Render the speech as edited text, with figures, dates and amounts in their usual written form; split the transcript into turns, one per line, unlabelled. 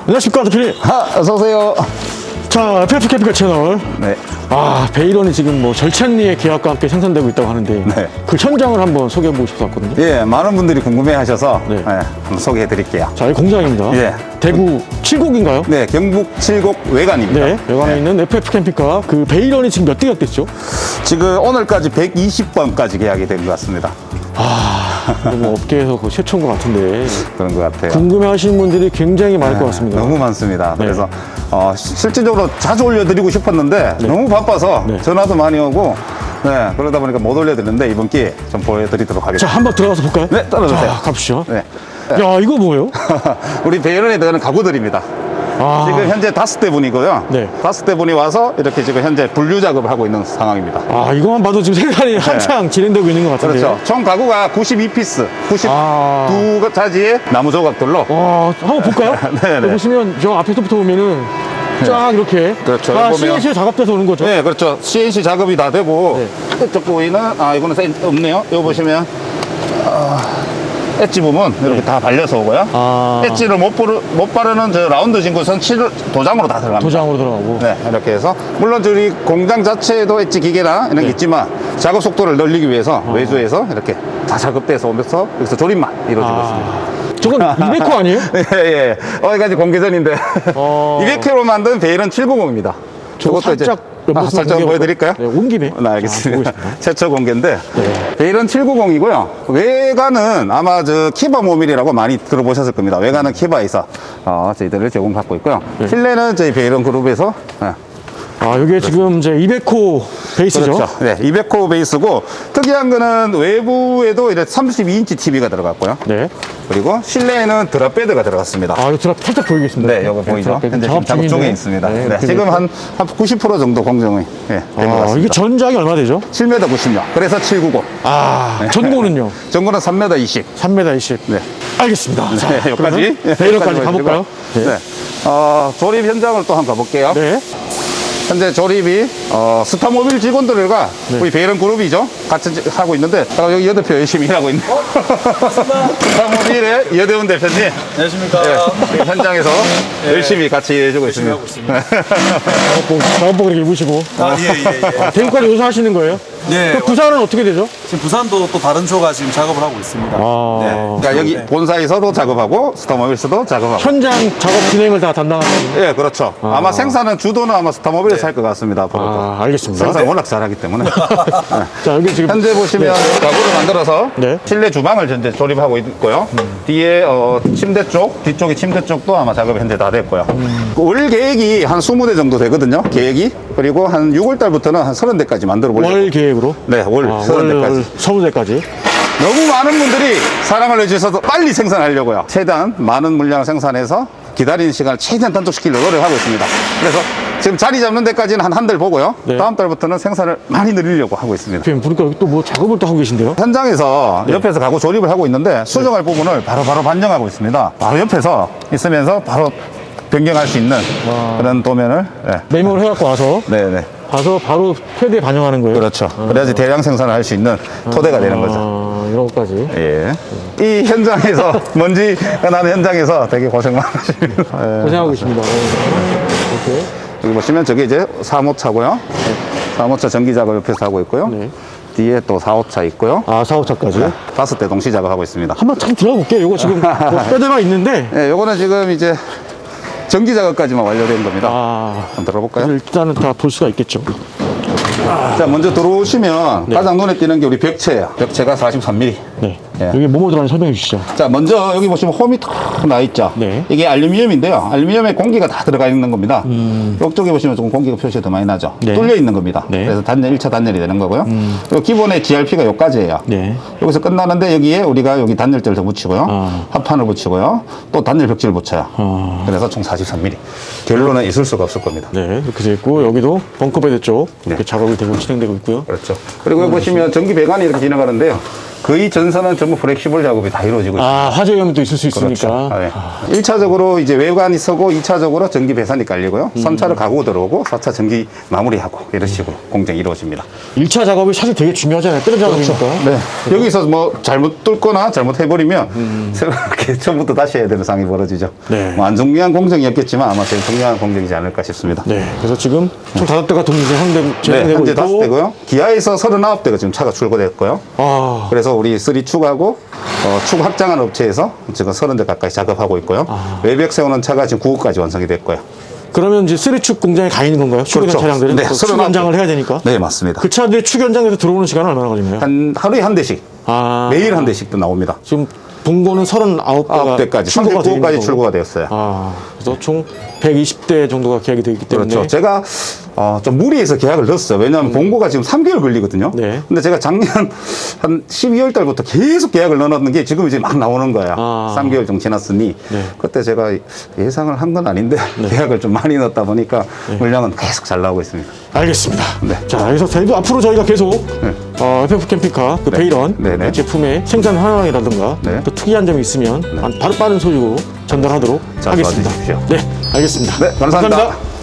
안녕하십니까, 대표님.
어서오세요.
자, FF 캠핑카 채널.
네.
베이런이 지금 뭐 절찬리의 계약과 함께 생산되고 있다고 하는데
네.
그 현장을 한번 소개해 보고 싶어 왔거든요.
예, 많은 분들이 궁금해 하셔서
네.
한번 소개해 드릴게요.
자, 이 공장입니다.
예.
대구 칠곡인가요?
네, 경북 칠곡 외관입니다.
네, 외관에 있는 FF 캠핑카. 그 베이런이 지금 몇 대가 됐죠?
지금 오늘까지 120번까지 계약이 된 것 같습니다.
뭐 업계에서 그 최초인 것 같은데
그런 것 같아요.
궁금해 하시는 분들이 굉장히 많을 것 같습니다.
너무 많습니다.
네.
그래서 실질적으로 자주 올려드리고 싶었는데 너무 바빠서
네.
전화도 많이 오고 네, 그러다 보니까 못 올려드렸는데 이번 기회에 좀 보여드리도록
자,
하겠습니다.
한번 들어가서 볼까요?
네, 따라주세요.
자, 가보시죠.
네.
야, 이거 뭐예요?
우리 베이런에 들어가는 가구들입니다. 지금 현재 5대 분이고요.
네.
5대 분이 와서 이렇게 지금 현재 분류 작업을 하고 있는 상황입니다.
이거만 봐도 지금 생산이 한창 진행되고 있는 것 같은데.
그렇죠. 총 가구가 92피스,
아.
92가지의 나무 조각들로.
한번 볼까요?
네네.
여기 보시면 저 앞에서부터 보면은 쫙 이렇게
그렇죠.
다
여기 보면-
CNC로 작업돼서 오는 거죠.
네, 그렇죠. CNC 작업이 다 되고,
네.
이쪽 부위는, 이거는 없네요. 이거 보시면, 엣지 부분 이렇게 다 발려서 오고요. 엣지를 못 바르는 저 라운드 진구선 도장으로 다 들어갑니다.
도장으로 들어가고.
네, 이렇게 해서 물론 저희 공장 자체에도 엣지 기계나 이런 게 있지만 작업 속도를 늘리기 위해서 외주에서 이렇게 다 작업돼서 오면서 여기서 조립만 이루어지고 있습니다.
저건 200호 아니에요?
예, 예. 여기까지 공개전인데 200kg 만든 베일은 790입니다.
저거 살짝
살짝 보여드릴까요?
네, 온 김에.
네, 알겠습니다.
보고 있습니다.
최초 공개인데
네.
베일은 790이고요. 외관은 아마 저 키바 모빌이라고 많이 들어보셨을 겁니다. 외관은 키바에서 저희들을 제공받고 있고요.
네.
실내는 저희 베일은 그룹에서
이게 지금 이제 200호 베이스죠?
그렇죠. 네, 200호 베이스고 특이한 거는 외부에도 이제 32인치 TV가 들어갔고요.
네.
그리고 실내에는 드랍베드가 들어갔습니다.
이거 드랍 살짝 보이겠습니다.
네, 이거 보이죠?
드랍
현재 지금 작업 중에 있습니다.
네,
네, 지금 한 90% 정도 공정이 된 것 같습니다.
이게 전작이 얼마 되죠?
7m 90요. 그래서 790.
전고는요?
전고는 3m 20.
3m 20.
네.
알겠습니다. 자,
네, 여기까지.
베이런까지 가볼까요?
네.
네.
조립 현장을 또 한번 가볼게요.
네.
현재 조립이 스타모빌 직원들과 우리 베이런 그룹이죠. 같이 하고 있는데 여기 여대표 열심히 일하고 있는 스타모빌의 여대훈 대표님.
안녕하십니까.
네, 지금 현장에서 열심히 같이 해주고 있습니다.
하고 있습니다.
작업복 이렇게 입으시고.
예.
대구까지 여기서 하시는 거예요?
네.
그 부산은 어떻게 되죠?
지금 부산도 또 다른 조가 지금 작업을 하고 있습니다.
그러니까 여기 본사에서도 작업하고 스타모빌에서도 작업하고.
현장 작업 진행을 다 담당하는.
예, 그렇죠. 아마 생산은 주도는 아마 스타모빌에서 할 것 같습니다. 앞으로도.
알겠습니다.
생산 워낙 잘하기 때문에.
자, 여기 지금.
현재 보시면 가구를 만들어서
네.
실내 주방을 현재 조립하고 있고요. 뒤에 침대 쪽, 뒤쪽에 침대 쪽도 아마 작업이 현재 다 됐고요. 올 계획이 한 20대 정도 되거든요. 계획이. 그리고 한 6월 달부터는 한 30대까지 만들어 보려고.
월 계획으로?
네, 월 30대까지.
30대까지.
너무 많은 분들이 사랑을 해주셔서 빨리 생산하려고요. 최대한 많은 물량을 생산해서 기다리는 시간을 최대한 단축시키려고 노력하고 있습니다. 그래서 지금 자리 잡는 데까지는 한 달 보고요.
네.
다음 달부터는 생산을 많이 늘리려고 하고 있습니다.
지금 보니까 여기 또 뭐 작업을 또 하고 계신데요?
현장에서 옆에서 가구 조립을 하고 있는데 수정할 부분을 바로 반영하고 있습니다. 바로 옆에서 있으면서 바로 변경할 수 있는 그런 도면을
메모를 해갖고 와서
네네.
가서 바로 패드에 반영하는 거예요?
그렇죠. 그래야지 대량 생산을 할 수 있는 토대가 되는 거죠.
이런 것까지.
예. 이 현장에서 먼지가 나는 현장에서 되게 고생 많으십니다. 예.
고생하고 계십니다. 이렇게.
여기 보시면 저게 이제 3호차고요. 3호차 전기 작업 옆에서 하고 있고요.
네.
뒤에 또 4호차 있고요.
4호차까지.
5대 동시 작업하고 있습니다.
한번 참 들어가 볼게요. 이거 지금 뭐 패드가 있는데.
예, 요거는 지금 이제 전기 작업까지만 완료된 겁니다.
아,
한번 들어볼까요?
일단은 다 볼 수가 있겠죠.
자, 먼저 들어오시면 가장 눈에 띄는 게 우리 벽체예요. 벽체가 43mm.
네.
예.
여기 뭐뭐 들어가는지 설명해 주시죠.
자, 먼저 여기 보시면 홈이 탁 나 있죠.
네.
이게 알루미늄인데요. 알루미늄에 공기가 다 들어가 있는 겁니다. 이쪽에 보시면 조금 공기가 표시가 더 많이 나죠.
네.
뚫려 있는 겁니다.
네.
그래서 단열, 1차 단열이 되는 거고요. 그리고 기본의 GRP가 여기까지예요.
네.
여기서 끝나는데 여기에 우리가 여기 단열재를 더 붙이고요. 합판을 붙이고요. 또 단열 벽지를 붙여요. 그래서 총 43mm. 결론은 있을 수가 없을 겁니다.
네. 이렇게 돼 있고, 여기도 벙커베드 쪽 이렇게
네.
작업이 되고 진행되고 있고요.
그렇죠. 그리고 여기 보시면 전기 배관이 이렇게 지나가는데요. 거의 전선은 전부 플렉시블 작업이 다 이루어지고 있습니다.
아, 화재 위험도 있을 수
그렇죠.
있으니까.
네. 1차적으로 이제 외관이 서고 2차적으로 전기 배선이 깔리고요. 3차로 가구 들어오고 4차 전기 마무리하고 이런 식으로 공정이 이루어집니다.
1차 작업이 사실 되게 중요하잖아요. 뜨는 작업이니까.
네. 여기서 뭐 잘못 뚫거나 잘못해버리면 새롭게 처음부터 다시 해야 되는 상황이 벌어지죠.
네.
뭐 안 중요한 공정이었겠지만 아마 제일 중요한 공정이지 않을까 싶습니다.
네. 그래서 지금 총 5대가 동시에
네,
진행되고
현재
있고.
5대고요. 기아에서 39대가 지금 차가 출고됐고요.
아,
그래서 우리 3축하고 축 확장한 업체에서 지금 30대 가까이 작업하고 있고요. 외벽 세우는 차가 지금 9호까지 완성이 됐고요.
그러면 이제 3축 공장에 가 있는 건가요? 출고된
그렇죠.
차량들은?
네,
또 축
39대.
연장을 해야 되니까.
네, 맞습니다.
그 차들이 축 연장에서 들어오는 시간은 얼마나 걸리나요?
하루에 한 대씩,
아,
매일 한 대씩도 나옵니다.
지금 본고는 39대가
9대까지,
출고가 되어 있는
39까지
거고.
출고가 되었어요.
아, 그래서 총 120대 정도가 계약이 되어 있기 때문에.
그렇죠. 제가 좀 무리해서 계약을 넣었어요. 왜냐하면 본고가 지금 3개월 걸리거든요.
네.
근데 제가 작년 한 12월 달부터 계속 계약을 넣어놨는 게 지금 이제 막 나오는 거야.
아.
3개월 정도 지났으니
네.
그때 제가 예상을 한 건 아닌데 계약을 좀 많이 넣었다 보니까 물량은 계속 잘 나오고 있습니다.
알겠습니다.
네.
자, 그래서 저희도 앞으로 저희가 계속 FF 캠핑카 그
네.
베이런
네네.
제품의 생산 현황이라든가
네.
또 특이한 점이 있으면 바로 빠른 소식으로 전달하도록
자,
하겠습니다.
도와주십시오.
네, 알겠습니다.
네, 감사합니다.